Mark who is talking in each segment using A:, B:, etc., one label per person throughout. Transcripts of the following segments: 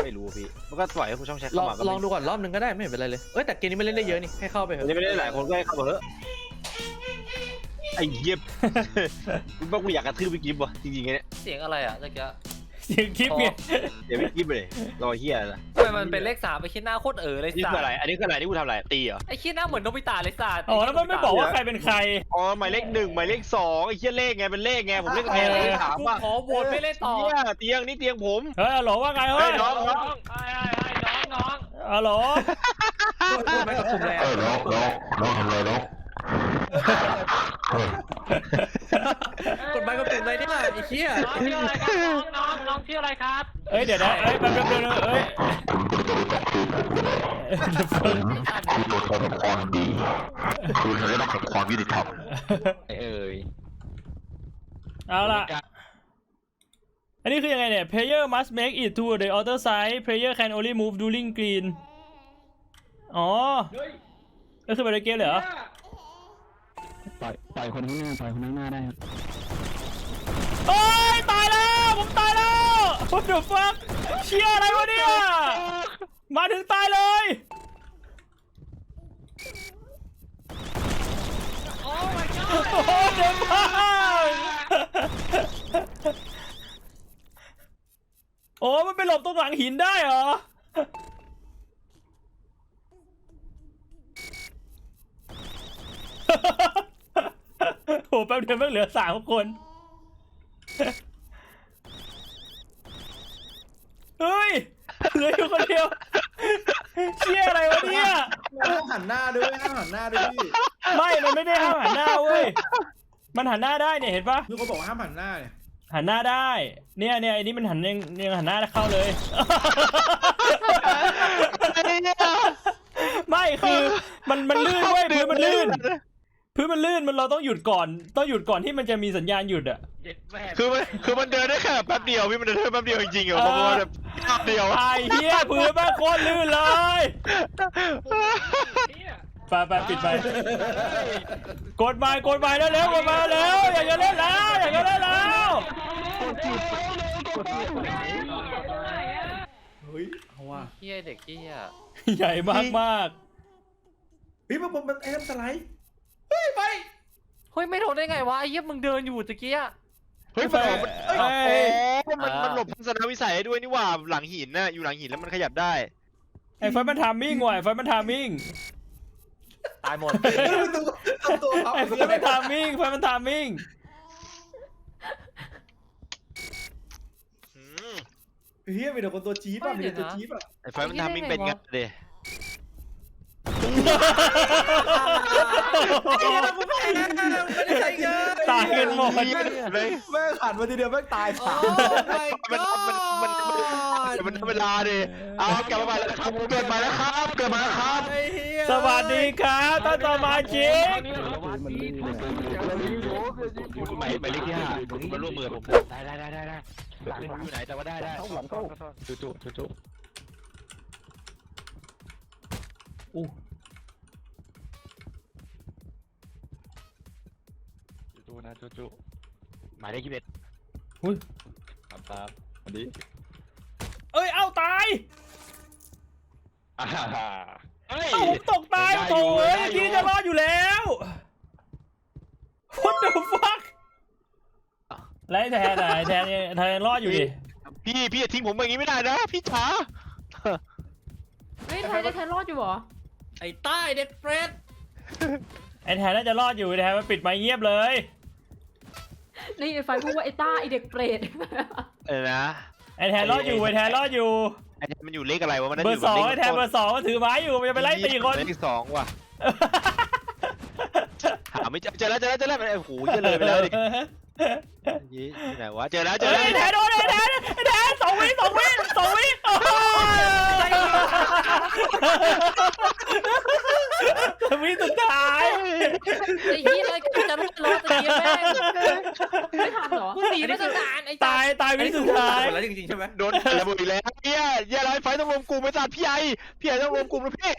A: ไม่รู้พี่มันก็ปล่อยให้ผู้ช่องแชท
B: ล
A: เข้า
B: อง
A: มาก็
B: ลองดูก่อนรอบนึงก็ได้ไม่เป็นไรเลยแต่เกมนี้มันเล่นได้เยอะนี่ให้เข้าไปเถ
A: อัน
B: อะ
A: นี้ไม่ได้หลายคนก็ให้เข้ามาเถอะไอ้เย็บกูบอกกูอยากกระทืบพี่กิฟต์ว่ะจริงๆเนี่ย
C: เสียงอะไรอ่ะเมื่อกี้
D: เสียงคลิปไง
A: เดี๋ยวพี่กิฟต์ไปเลยรอเฮียนะ
C: ทำไมมันเป็นเลข3ไปคิดหน้าโคตรเลย
A: นี่
C: สั
A: คือ
C: ต
A: อะไร
C: ว์
A: อันนี้คืออะไรที่กูทำอะไรตีเหรอ
C: ไอ้คิดหน้าเหมือนโนบิตะเลยสัตว์
D: อ๋อแล้วมันไม่บอกว่าใครเป็นใคร
A: อ๋อหมายเลข1หมายเลข2ไอ้เฮียเลขไงเป็นเลขไงผมเล่นไงเลขถาม
C: กู
A: ว่า
C: ขอโหวตไม่เล่นต่อ
A: เฮียเตียงนี่เตียงผม
D: เฮ้ยฮัลโหลว่าไง
A: เฮ้
D: เฮ้
A: ย
D: ย
A: น้อง
C: น้อง
D: ฮัลโหล
B: พูดไปกับกลุ่มแล้ว
E: น้องทำอะไรน้อง
B: กดไปกับกลุ่มเลยเนี่ยไอ้เหี้ย
C: น้องชื่ออะไรครับน้องชื่ออะไรครับ
D: เอ้ยเดี๋ยวนะเอ้ยแป๊บเดี๋ยวเอ้ย
E: คือตัวแทนของความดีคือสัญลักษณ์ของความยุติธรรม
D: เอาล่ะอันนี้คือยังไงเนี่ย player must make it to the outer side player can only move during green อ๋อก็คือไปในเกมเลยเหรอ
F: ปล่อยคนข้างหน้าปล่อยคนข้างหน้าได้ครับ
D: โอ้ยตายแล้วผมตายแล้ว what the fuck เชี่ยอะไรวะเนี่ยมาถึงตายเลยโอ้เด็กมากโอ้มันไปหลบตรงหลังหินได้เหรอโอ้แป๊บเดียวมันเหลือ3 คนเฮ้ยเหลืออยู่คนเดียวเชี่ยอะไรวะเนี่ย
B: ห้ามหันหน้าด้วยห้ามหันหน้าด้วยพี่
D: ไม่มันไม่ได้ห้ามหันหน้าเว้ยมันหันหน้าได้เนี่ยเห็นปะ
B: พี่เขาบอกว่าห้ามหันหน้าเนี่ย
D: หันหน้าได้เนี่ยไอ้นี่มันยังหันหน้าเข้าเลยไม่คือมันลื่นเว้ยพื้นมันลื่นมันเราต้องหยุดก่อนที่มันจะมีสัญญาณหยุดอ่ะ
A: คือมันเดินได้แค่แป๊บเดียวพี่มันเดินได้แป๊บเดียวจริงๆเหรอเพราะว่าแบบแป๊บเดียว
D: ไอ้เหี้ยพื้นแม่งโคตรลื่นเลยไปปิดไปกดไม้แล้วกดไม้แล้วอยากจะเล่นแล้ว
B: เฮ้ยเอาว่ะ
C: เฮียเด็กเฮีย
D: ใหญ่มาก
B: เฮ้ยมันแอมสไลด์เฮ้ยไป
C: เฮ้ยไม่โดนได้ไงวะไอ้เหี้ยมึงเดินอยู่ตะกี้อะ
A: เฮ้ยมันหลบทัศนวิสัยได้ด้วยนี่ว่าหลังหินน่ะอยู่หลังหินแล้วมันขยับได้
D: ไอ้ไฟมันทามมิ่งว่ะไอ้ไฟมันทามมิ่ง
C: ตายหมด
B: ตัวเขา
D: ไอ้ไฟมันทามมิ่ง
B: เฮียมีแต่คนตัวจี๊ดป่ะมีแต่ตัวจี๊ดป่ะ
A: ไอ้ไฟมันทำมิ่งเป็นไงเด
D: ตายกันหมด
B: แม่งหันมาทีเดียวแม่งตายสาม
A: มันเวลาดิเอากลับมาแล้วครับเกิดมาแล้วครับ
D: สวัสดีครับท่านสมาชิก
A: หมายเลขที่5มันร่วมมือผมได้อยู่ไหนแต่ว่าได้จุหมายเลข21
D: อุ้ย
A: ครับวันนี้
D: เอ้ยเอ้าตายผมตกตายโถ่เอ้ยที่จะรอดอยู่แล้ว What the fuck แล้วแทนรอดอยู่ดิ
A: พี่ทิ้งผมอย่างนี้ไม่ได้นะพี่จ๋า
G: เฮ้ยแทนรอดอยู่เหรอ
B: ไอ้ใต้เด็กเฟรด
D: ไอ้แทนน่าจะรอดอยู่แทนมันปิดไมค์เงียบเลย
G: นี่ไฟพูดว่าไอ้ต้าไอ้เด็กเปรต
A: นะ
D: ไอ้แทนรอดอยู่ไอ้แทนรอดอยู่
A: ไอ้มันอยู่เลขอะไรวะมัน
D: เบอร์ 2ไอ้แทนเบอร์ 2มันถือไม้อยู่มันจะไปไล่ตีคน
A: เลข2ว่ะหาไม่เจอแล้วโอ้โหเยอะเลยไปแล้วดิยี่ไหนวะเจอแล้ว
D: ไอ้แทนโดนไอ้แทน2 วิโอ้ยวิสุดท้าย
G: ไอ้เหี้ยอะไรกันจะรอดตะกี้แม่งไม่ทันเหรอ
C: กูหนีมาตั้งนานไอ้
D: ตายวิสุดท้าย
B: แล้วจริงๆใช่ไหม
A: โดนระเบิดอีกแล้วเนี่ยไรไฟต้องรวมกลุ่มไปจัดพี่ไอต้องรวมกลุ่มนะพี่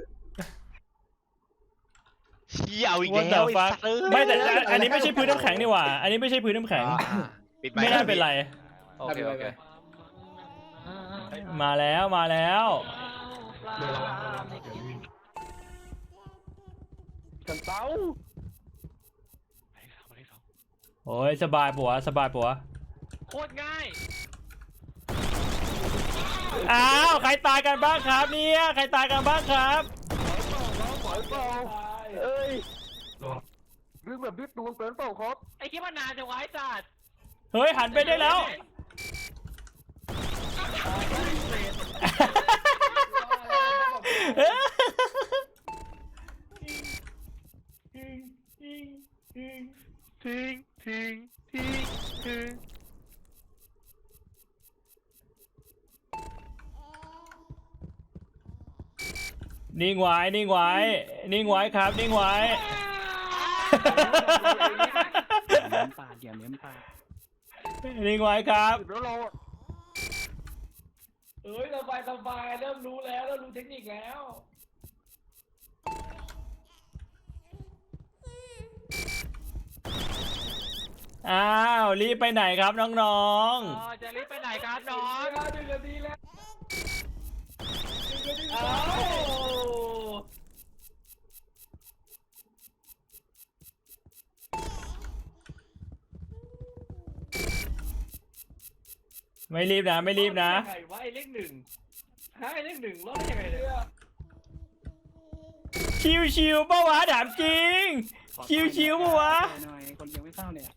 A: เชี่ยวอีกแล้ว
D: ไม่แต่อันนี้ไม่ใช่พื้นน้ำแข็งนี่หว่าอันนี้ไม่ใช่พื้นน้ำแข็งไม่น่าเป็นไร
C: โอเค
D: มาแล้วมาแล้ว
A: กันเต้า
D: โอ้ยสบายปัวสบายปัว
C: โคตรง่าย
D: อ้าวใครตายกันบ้างครับเนี่ยใครตายกันบ้างครับ
A: เอ้ยดึงแบบดึงดวงเกินเปล่าครับ
C: ไอ้คิดว่านานจะไว้จัด
D: เฮ้ยหันไปได้แล้วนิ่งไว้นิ่งไว้นิ่งไว้ครับนิ่งไว้นิ่งไว้ครับ
A: แล้วเรา
C: เอ้ยสบายเริ่มรู้แล้วเริ่มรู้เทคนิคแล้ว
D: อ้าวรีบไปไหนครับน้อง
C: อ๋อจะรีบไปไหนครับน้อง1 นาทีแล้ว
D: ๆไม่รีบนะไม่รีบนะ
C: ไงวะไอ้เลข1ไอ้เลข1รอดได้ยังไงเนี่ย
D: ชิวๆปะวะถามจริงชิวๆปะวะ
F: คนยังไม่เข้าเนี่ย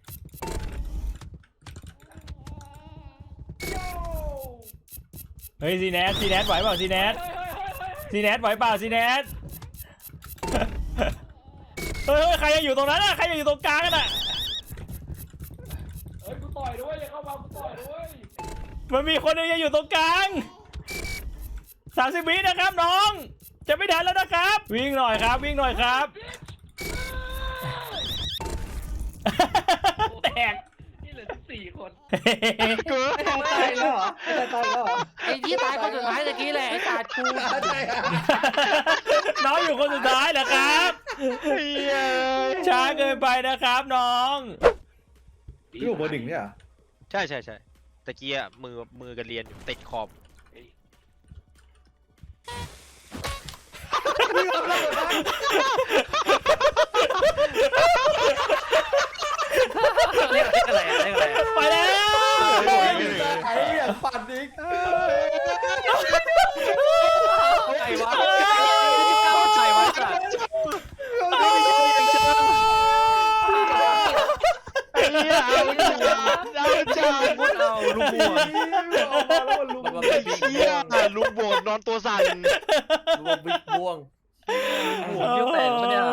D: เฮ้ยซีแนทไหวเปล่าซีแนทไหวเปล่าซีแนทเฮ้ยใครยังอยู่ตรงนั้นอะใครยังอยู่ตรงกลางกันอะ
C: เฮ้ยกูต่อยด้วยอย่าเข้ามากูต่อยด้วย
D: มันมีคนหนึงยังอยู่ตรงกลาง30 วินะครับน้องจะไม่ทันแล้วนะครับวิ่งหน่อยครับวิ่งหน่อยครับแตก
C: นี่เหลือ14 คน
A: เกิน
B: ตายแล้วเหรอตายแล้วเหรอ
G: ไอ้ยี่ตายคนสุดท้ายตะกี้แหละไอ้ศาสตร์กู
B: ใช่อะ
D: น้องอยู่คนสุดท้ายเหรอครับช้าเกินไปนะครับน้อง
B: พี่บอกเบอร์1เนี่ยเหรอ
A: ใช่ตะกี้อะมือกันเรียนอยู่ติดขอบ
C: เรียกอะไรอะเรียกอะไรอะ
D: ไปแล้ว
B: ไอ้อย่างปั่นอีก
C: ไอ้วะใครวะสัตว์
A: พูดเอาลุงบวชเชี่ยลุงบวชนอนตัวสั่น
C: รวมบิ๊กบวงหัวเยี่ยวแตกปะเนี่ย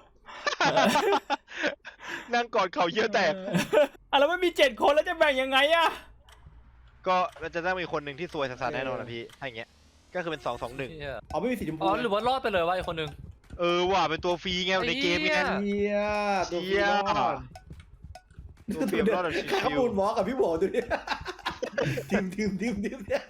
A: นั่งกอดเข่าเยี่ยวแตก
D: อ่ะแล้วไม่มี7 คนแล้วจะแบ่งยังไงอะ
A: ก็มันจะต้องมีคนหนึ่งที่ซวยสัสๆแน่นอนนะพี่ถ้าอย่างเงี้ยก็คือเป็น2-2-1
B: อ๋อไม่มีสีชมพู
C: อ๋อหรือว่ารอดไปเลยวะไอ้คนหนึ่ง
A: ว่ะเป็นตัวฟรีไงในเกมไง
B: เฮียตัวพี่รอด
A: ตัวฟรีรอดแบบชิ
B: ข้าว
A: ว
B: มูลหมอกับพี่โบดูดิทิมเนี่ย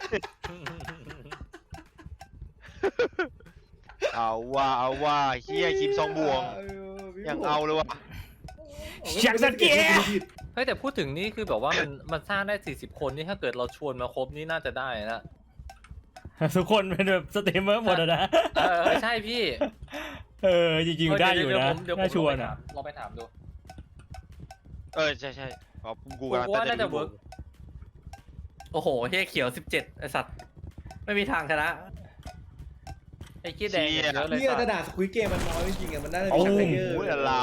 A: ๆเอาว่าเฮียคิมซองบวงยังเอาเลยว่ะ
D: อยากสังเกต
C: เฮ้ยแต่พูดถึงนี่คือแบบว่ามันสร้างได้40 คนนี่ถ้าเกิดเราชวนมาครบนี่น่าจะได้นะ
D: ทุกคนเป็นแบบสตรีมเมอร์หมดอะนะ
C: ใช่พี่
D: จริงๆได้อยู่นะ
C: เดี๋ยวผม
D: น่าชวนอะ
C: เราไปถามดู
A: ใช่อ๋อกู
C: กู
A: กำลัง
C: ว่า
A: ตั้งใจ
C: น่าจะ
A: ดู
C: เวิร์กโอ้โหเฮียเขียว17ไอสัตว์ไม่มีทางชนะไอ้ขี้แดงเยอะเลย
B: เนี่ย
C: สัต
B: กระ
C: ว์
B: ดาษสควิตเกมมันน้อยจริงๆอะมันน่าจะมีชักเยอะ
A: โอ้ยอะไร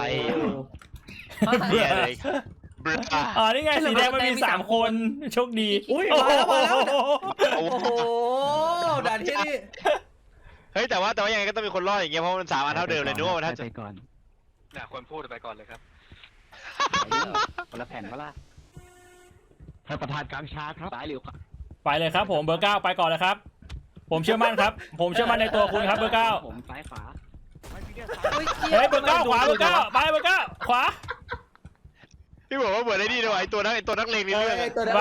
A: เนี่ยเลยบรา
D: อ๋อนี่ไงสีแดงมันมี3 คนโชคดี
B: อุ้ย
D: โอ้
B: มาแล้ว
D: โห
B: โอ้โหด่านที่นี่
A: เฮ้ยแต่ว่ายังไงก็ต้องมีคนรอดอย่างเงี้ยเพราะมัน3 อันเท่าเดิมเลยนึกว่ามันถ้าจะ
F: ไปก่อน
C: น่ะคนพูดไปก่อนเลยครับ
F: คนละแผ่นก็ล่ะท่านประธานกลางชาครับซ้ายหรือขวา
D: ไปเลยครับผมเบอร์ 9ไปก่อนเลยครับผมเชื่อมั่นครับผมเชื่อมั่นในตัวคุณครับเบอร์ 9
F: ผมซ้ายขวา
D: เฮ้ยเบอร์ 9ขวาเบอร์ 9ไปเบอร์ 9ขวา
A: พี่บอกว่าเหมือนไอ้นี่ด้วยไอ้ตัวนักเลงในเรื่อง
B: ไป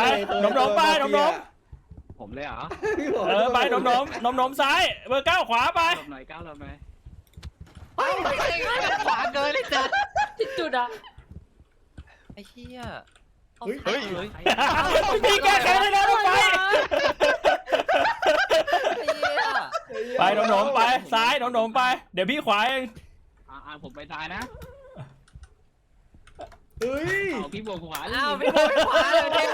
F: ผมเลยเหรอ
D: ไปนมซ้ายเบอร์ 9ขวาไป
F: รอบหน่อยก้าวรอบหน่อย
C: ขวาเกินเลยจ้ะ
G: ที่จุดอ่ะ
C: ไอ้เหี้ย
A: เฮ้ย
D: มีแก้แค้นเลยนะรถไฟซ้ายหนมๆไป เดี๋ยวพี่ขวาเอง
F: ผมไปซ้ายนะ
B: เฮ้ย
F: เอาพี่บวกขวา
G: อ้าวพี่บอลขวาเลยเนี่ย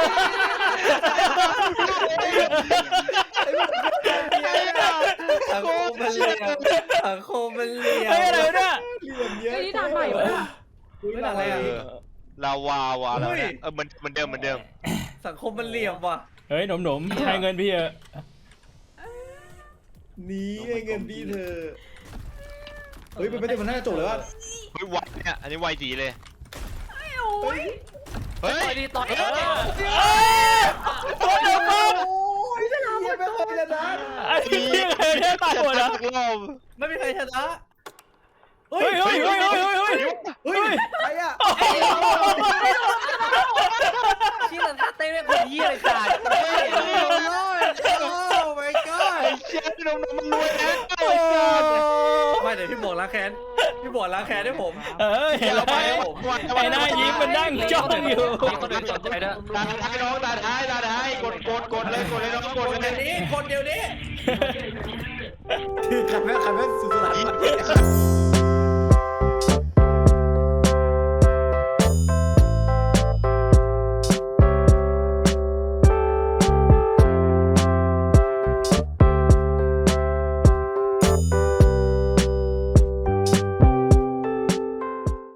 C: สังคมมันเหลี่ยมสังคมมันเหลี่ยม
D: เฮ้ยอะไรวะเนี่ย
B: เหลี่ยมเยอะ
G: ไอ้นี่ด่านใหม่วะเนี่ย
C: ไม่อะไรอ่ะ
A: ลาวาวาแล้วเนี่ยเหมือนเดิม
C: สังคมมันเหลี่ยมว่ะ
D: เฮ้ยหนมๆให้เงินพี่เถอะ
B: นี่ไงเงินพี่เธอเฮ้ยมันน่าจะจบแล้ว
A: เฮ้ยไวเนี่ยอันนี้ไวจีเลย
B: เฮ้ย
A: เฮ้ย
G: ต่อยดีต่อย
B: โอ้ยเหี้ยไม่เคยชนะ
D: ไอ้พี่เคยได้ตายหมดเหรอ
A: รอบ
C: ไม่มีใครชนะ
B: เฮ้
D: เฮ้
B: ย
D: ยเฮ้ยเฮ้ยเฮ้ยเฮ้ย
B: เฮ้ยใครอ่ะ
G: ที่มันท่าเต้นไม่คนเยี่ยเลยจ้า
C: โอ้ my god
A: ไอ้เชี่ยพี่นมมันรวยแล้ว
C: ไม่เดี๋ยวพี่บอกล้างแค้นพี่บอกล้างแค้นให้ผม
D: เออเห็นแล้วไอ้หน้ายิ้มมันนั่งจ้องอยู่
G: คนอื่นสนใจด้วย
A: ตาท้ายน้องตาท้ายกดเลยน้องกดเลย
C: เดี๋ยวนี้คนเดียวนี้
B: ใครแม่งสุดสลัด